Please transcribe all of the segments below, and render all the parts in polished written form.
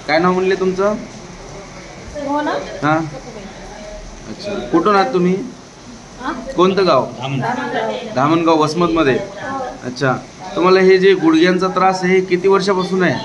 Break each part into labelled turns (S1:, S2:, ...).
S1: काय नाव म्हणले तुमचं?
S2: हो ना.
S1: हां, अच्छा. कुठून आहात तुम्ही? कोणतं गाव? धामणगाव, वसमतमध्ये. अच्छा. तुम्हाला हे जे गुडघ्यांचा त्रास आहे हे किती वर्षापासून आहे?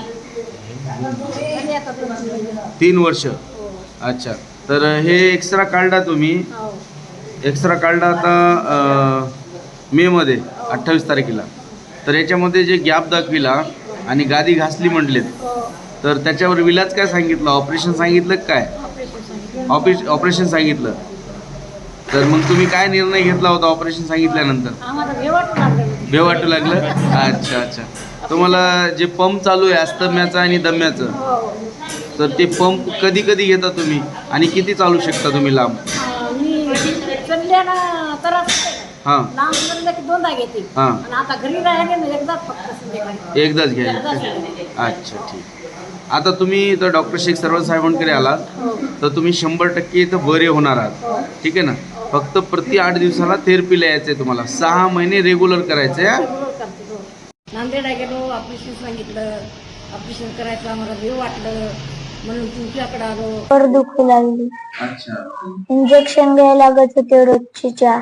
S1: 3 वर्ष. अच्छा. तर हे एक्सरा काढला तुम्ही? एक्सरा काढला आता मेमध्ये 28 तारखेला. तर याच्यामध्ये जे गॅप दाखविला आणि गादी घासली म्हटलेत, तर त्याच्यावर विलाज काय सांगितलं? ऑपरेशन सांगितलं काय? ऑपरेशन सांगितलं. तर मग तुम्ही काय निर्णय घेतला होता ऑपरेशन सांगितल्यानंतर? भेव वाटू लागलं? अच्छा अच्छा. तुम्हाला जे पंप चालू आहे अस्तम्याचं आणि दम्याचं, तर ते पंप कधी कधी घेता तुम्ही आणि किती चालू शकता तुम्ही लांब? हां हां, एकदाच घ्यायला. अच्छा, ठीक. आता तुम्ही तर डॉक्टर शेख सरवळ साहेबांकडे आलात तर तुम्ही 100% इथं बरे होणार आहात. ठीक आहे ना. फक्त प्रति 8 दिवसाला थेरपीला यायचं आहे तुम्हाला. 6 महिने रेग्युलर करायचं आहे.
S2: नांदेडला गेलो, ऑपरेशन सांगितलं. ऑपरेशन करायचं आम्हाला भेव वाटलं म्हणून तुमच्याकडे आलो.
S3: पर दुखू लागली.
S1: अच्छा.
S3: इंजेक्शन घ्यायला लागत होते रोजचे 4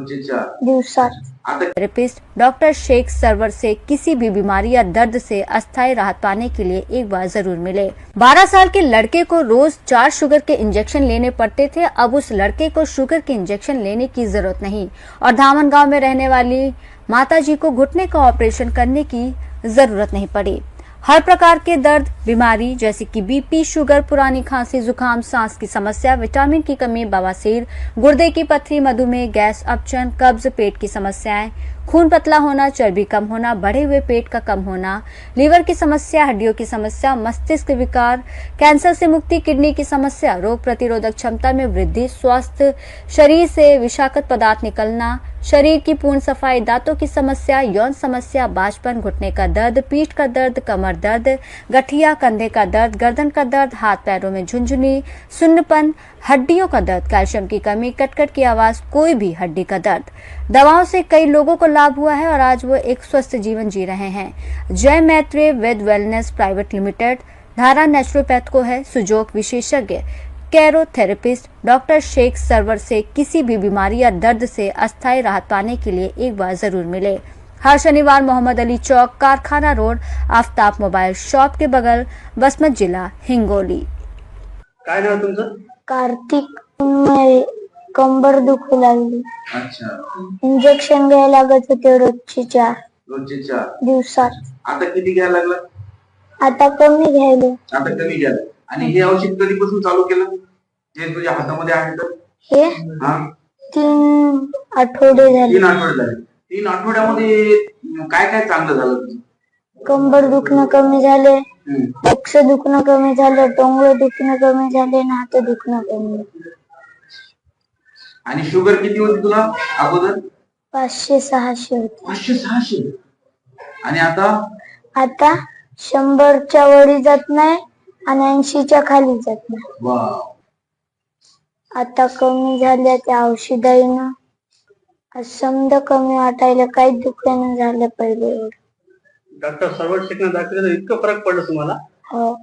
S3: दिवसात.
S4: थेरेपिस्ट डॉक्टर शेख सरवर से किसी भी बीमारी या दर्द से अस्थायी राहत पाने के लिए एक बार जरूर मिले। 12 साल के लड़के को रोज 4 शुगर के इंजेक्शन लेने पड़ते थे। अब उस लड़के को शुगर के इंजेक्शन लेने की जरूरत नहीं और धामन गांव में रहने वाली माताजी को घुटने का ऑपरेशन करने की जरूरत नहीं पड़ी। हर प्रकार के दर्द, बीमारी जैसे कि बीपी, शुगर, पुरानी खांसी, जुकाम, सांस की समस्या, विटामिन की कमी, बवासीर, गुर्दे की पथरी, मधुमेह, गैस, अपचन, कब्ज, पेट की समस्याएं, खून पतला होना, चर्बी कम होना, बढ़े हुए पेट का कम होना, लीवर की समस्या, हड्डियों की समस्या, मस्तिष्क विकार, कैंसर से मुक्ति, किडनी की समस्या, रोग प्रतिरोधक क्षमता में वृद्धि, स्वस्थ शरीर से विषाक्त पदार्थ निकलना, शरीर की पूर्ण सफाई, दांतों की समस्या, यौन समस्या, बाजपन, घुटने का दर्द, पीठ का दर्द, कमर दर्द, गठिया, कंधे का दर्द, गर्दन का दर्द, हाथ पैरों में झुंझुनी, सुन्नपन, हड्डियों का दर्द, कैल्शियम की कमी, कटकट की आवाज, कोई भी हड्डी का दर्द। दवाओं से कई लोगों को लाभ हुआ है और आज वो एक स्वस्थ जीवन जी रहे हैं। जय Maitreya Ved wellness private limited धारा नेचुरोपैथ को है सुजोग विशेषज्ञ कैरोथेरेपिस्ट डॉक्टर शेख सरवर से किसी भी बीमारी या दर्द से अस्थायी राहत पाने के लिए एक बार जरूर मिले। हर शनिवार मोहम्मद अली चौक, कारखाना रोड, आफ्ताब मोबाइल शॉप के बगल, बसमत जिला, हिंगोली।
S1: काय नाव तुमचं?
S3: कार्तिक उन्मळे. कंबर दुखू लागली.
S1: अच्छा.
S3: इंजेक्शन घ्यायला लागत होते रोजचे 4 दिवसात.
S1: आता किती घ्यायला लागला?
S3: आता कमी घ्यायला.
S1: आता कमी घ्यायला. आणि हे औषध कधीपासून चालू केलं? जे तुझ्या हातामध्ये आहे तर?
S3: हे
S1: हा,
S3: 3 आठवडे झाले.
S1: 3 आठवडे झाले. 3 आठवड्यामध्ये काय काय चांगलं झालं तुझं?
S3: कंबर दुखणं कमी झाले, डोकं दुखणं कमी झालं, टोंगळे दुखणं कमी झाले आणि हात दुखणं कमी झालं.
S1: आणि शुगर किती होती तुला अगोदर?
S3: 500-600 होते.
S1: 500-600. आणि आता?
S3: आता 100च्या वरी जात नाही आणि 80च्या खाली जात नाही.
S1: वाव.
S3: आता कमी झाल्या त्या औषधाईनं. आज समजा कमी वाटायला, काहीच दुखणं झालं पहिले एवढं.
S5: डॉक्टर सरवर शेखनं दाखवलं तर इतकं फरक पडलं तुम्हाला?
S3: हो.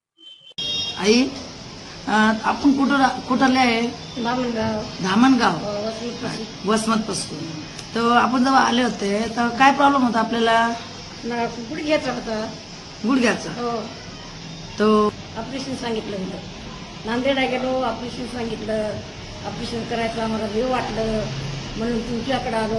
S6: आई आपण कुठले आहे? धामणगाव, वसमत पासून. तर आपण जेव्हा आले होते तर काय प्रॉब्लेम होता आपल्याला?
S2: गुडघ्याचा होता.
S6: गुडघ्याचा. तो
S2: ऑपरेशन सांगितलं होतं. नांदेडला गेलो, ऑपरेशन सांगितलं. ऑपरेशन करायचं आम्हाला भेव वाटलं म्हणून तुमच्याकडे आलो.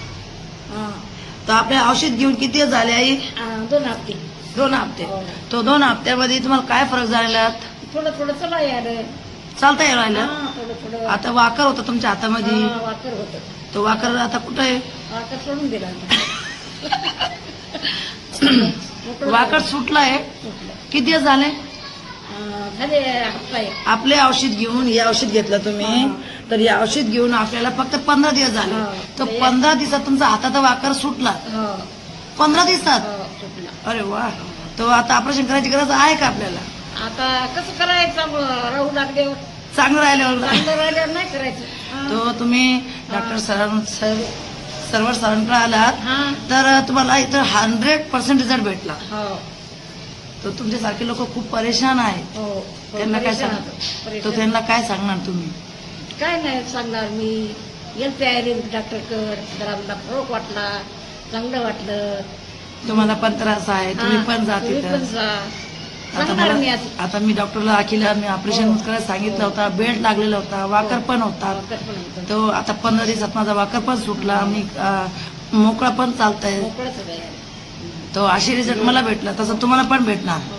S6: तर आपले औषध घेऊन किती दिवस झाले आई?
S2: 2 हप्ते.
S6: 2 हप्ते. तो 2 हप्त्यामध्ये तुम्हाला काय फरक झालेला?
S2: थोडं थोडं चला यायला.
S6: चालता येईल राहिलं?
S2: थोडं थोडं.
S6: आता वाकर होता तुमच्या हातामध्ये.
S2: वाकर होतं.
S6: तो वाकर आता कुठं आहे?
S2: वाकर सोडून दिला.
S6: वाकर सुटलाय. किती दिवस झाले?
S2: झाले हप्ता आहे.
S6: आपले औषध घेऊन हे औषध घेतलं तुम्ही, तर हे औषध घेऊन आपल्याला फक्त 15 दिवस झाले. तर 15 दिवसात तुमचा हाताचा वाकर सुटला. 15 दिवसात? अरे वा. तो आता ऑपरेशन करायची गरज आहे का आपल्याला?
S2: आता कसं करायचं? राहू लागल्यावर
S6: चांगलं राहिल्यावर
S2: नाही करायचं.
S6: तो तुम्ही डॉक्टर सरवर सरांकडे आलात तर तुम्हाला इथं 100% रिझल्ट भेटला. तर तुमच्यासारखे लोक खूप परेशान आहेत.
S2: हो
S6: त्यांना काय
S2: परेशान
S6: सांग
S2: होतो,
S6: तर
S2: परेशान.
S6: त्यांना काय सांगणार तुम्ही?
S2: काय नाही सांगणार मी. गेलते आयुर्वेदिक डॉक्टरकडे, जरा मला फरक वाटला, चांगलं वाटलं.
S6: तुम्हाला पण त्रास आहे, तुम्ही पण जा
S2: तुम्ही
S6: तिथं.
S2: पण जा.
S6: आता
S2: सांगणार मी
S6: मला
S2: असं.
S6: आता मी डॉक्टरला अखिला मी ऑपरेशन करायला सांगितलं होता, बेड लागलेला होता, वाकर पण होता.
S2: वाकर पण होतं.
S6: तो आता 15 दिवसात माझा वाकर पण सुटला, मी मोकळा पण चालतंय.
S2: मोकळंच आहे.
S6: तो अशी रिझल्ट मला भेटला, तसं तुम्हाला पण भेटणार.